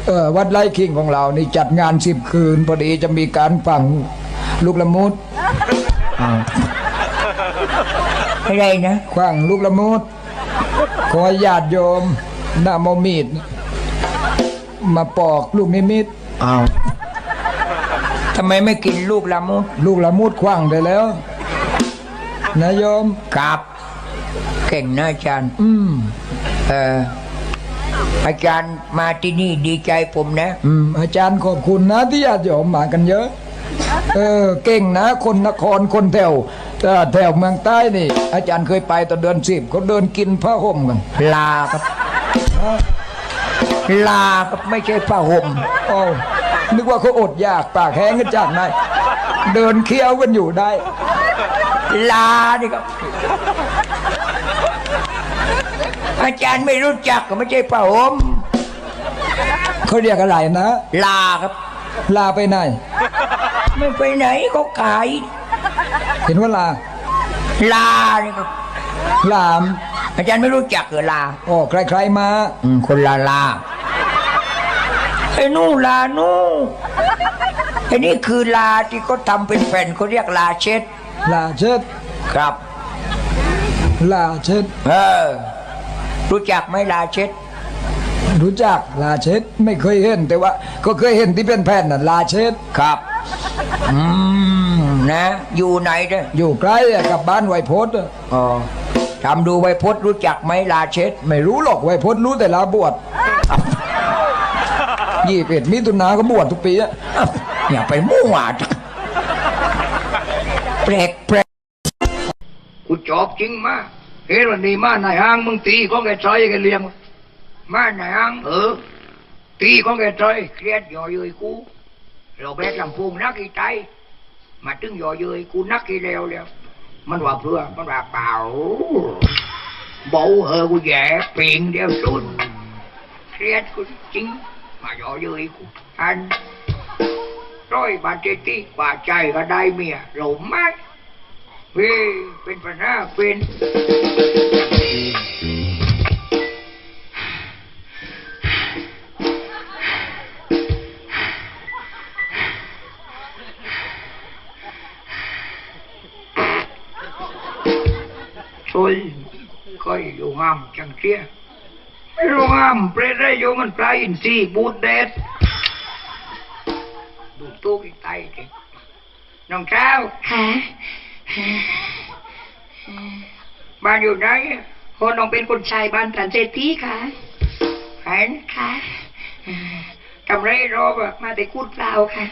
วัดไร่ขิงของเรานี่จัดงาน10 คืนพอดีจะมีการฝังลูกละมุดอะไรนะขว้างลูกละมุดขอญาติโยมนำเอามีดมาปอกลูกนิมิตอ้าวทำไมไม่กินลูกละมุดลูกละมุดขว้างได้แล้วนะโยมครับเก่งนะอาจารย์อาจารย์มาที่นี่ดีใจผมนะอาจารย์ขอบคุณนะที่ญาติโยมมากันเยอะเก่งนะคนนครคนแถวเมืองใต้นี่อาจารย์เคยไปตอนเดือน10เขาเดินกินผ้าห่มกันลาครับลาครับไม่ใช่ผ้าห่มนึกว่าเขาอดอยากปากแห้งกันจากไหนเดินเคี้ยวกันอยู่ได้ลานี่ครับอาจารย์ไม่รู้จักก็ไม่ใช่ผ้าห่มเขาเรียกอะไรนะลาครับลาไปไหนไม่ไปไหนเขาขายเห็นว่าลานี่ครับลาอาจารย์ไม่รู้จักเหรอลาใครๆมาคนลาไอ้นู่ลานู่ไอ้นี่คือลาที่เขาทำเป็นแผ่นเขาเรียกลาเช็ดครับลาเช็ดรู้จักไหมลาเช็ดรู้จักลาเช็ดไม่เคยเห็นแต่ว่าก็เคยเห็นที่เป็นแผ่นน่ะลาเช็ดครับนะอยู่ไหนเนี่ยอยู่ใกล้กับบ้านไวโพสทำดูไวโพสรู้จักไหมลาเช็ดไม่รู้หรอกไวโพสรู้แต่ลาบวช21 มิถุนายนก็บวชทุกปีอย่าไปมั่วแปลกกูจอบจริงมาเฮ้ยวันนี้มาในห้างมึงตีของแกใจแกเลี้ยงมาในห้างตีของแกใจเครียดย่อเย้ยกูเราแบกลำพูงนักกี่ใจมาตึงย่อเย้ยกูนักกี่แล้วมันว่าเพื่อมันว่าเปล่าเบากูแย่เปลี่ยนเดียวสุดเครียดกูจริงมาย่อเย้ยกูอันร้อยบาทเจติบาทใจก็ได้เมียหลงไหมเฮ้ยเป็นปัญหาเป็นช่วยก็อยู่งามจังเชียไม่รู้งามเปรตได้อยู่มันปลาอินทรีบูดเด็ดดูตู้กี่ไตเด็กน้องเช้าค่ะบ้านอยู่ไหนคนน้องเป็นคนชายบ้านตรันเจตีค่ะเห็นค่ะทำไรรอบมาแต่คูดเปล่าค่ะ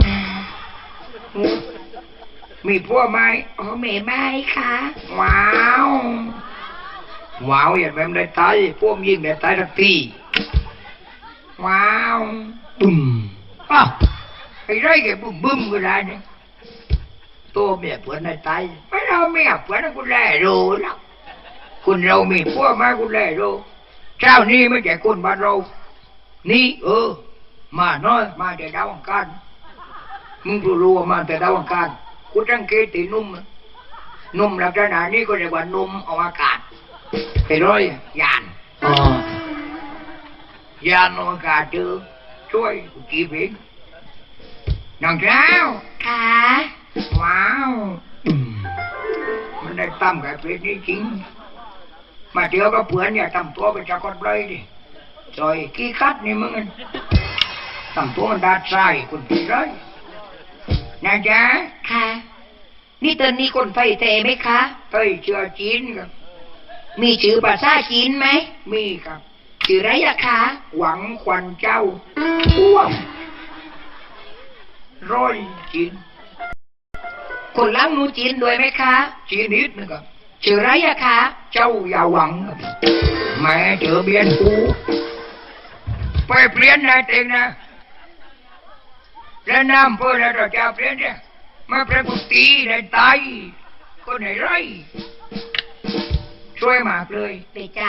มีพวกไหมเมย์ไม่ค่ะว้าวอย่างแบบได้ตายพวกยิงได้ตายทักทีว้าวบึ้มไอ้ไรแกบึ้มก็ได้เนี่ยตัวเมียเพื่อนได้ตายไม่เราเมียเพื่อนกูแล่โรแล้วคุณเรามีพวกมากูแล่โรเจ้านี่ไม่ใช่คนบ้านเรานี่มาน้อยมาแต่ดาวอังคารมึงรู้ว่ามาแต่ดาวอังคารกูตั้งเกตินุ่มลักษณะนี้ก็เรียกว่านุ่มอวกาศไอ้ร้อยยานอวกาศเจอช่วยกูจีบเองน้องเจ้าค่ะว้าวมันได้ตั้มกับเพชรนี่จริงมาเจอกับเพื่อนเนี่ยทำตัวเป็นจักรพรรดิดิจอยขี้คัดนี่มึงทำตัวมันดาดใส่คุณพี่ร้อยนะจ๊ะค่ะนี่เตือนนี่คนไฟเทไหมคะเฮ้ยเชื่อจีนครับมีชื่อภาษาจีนไหมมีครับชื่ออะไรล่ะคะหวังควันเจ้าร้อยจีนคนล้างนูจีนด้วยไหมคะจีนนิดนึงครับชื่ออะไรอะคะเจ้าอย่าหวังแม่เจอเบียนกูไปเปลี่ยนนายเองนะแล้วน้ำเพื่อเราจะเปลี่ยนเนี่ยมาเปลี่ยนกุฏิในตายคนไหนไรช่วยมากเลยไปจ้า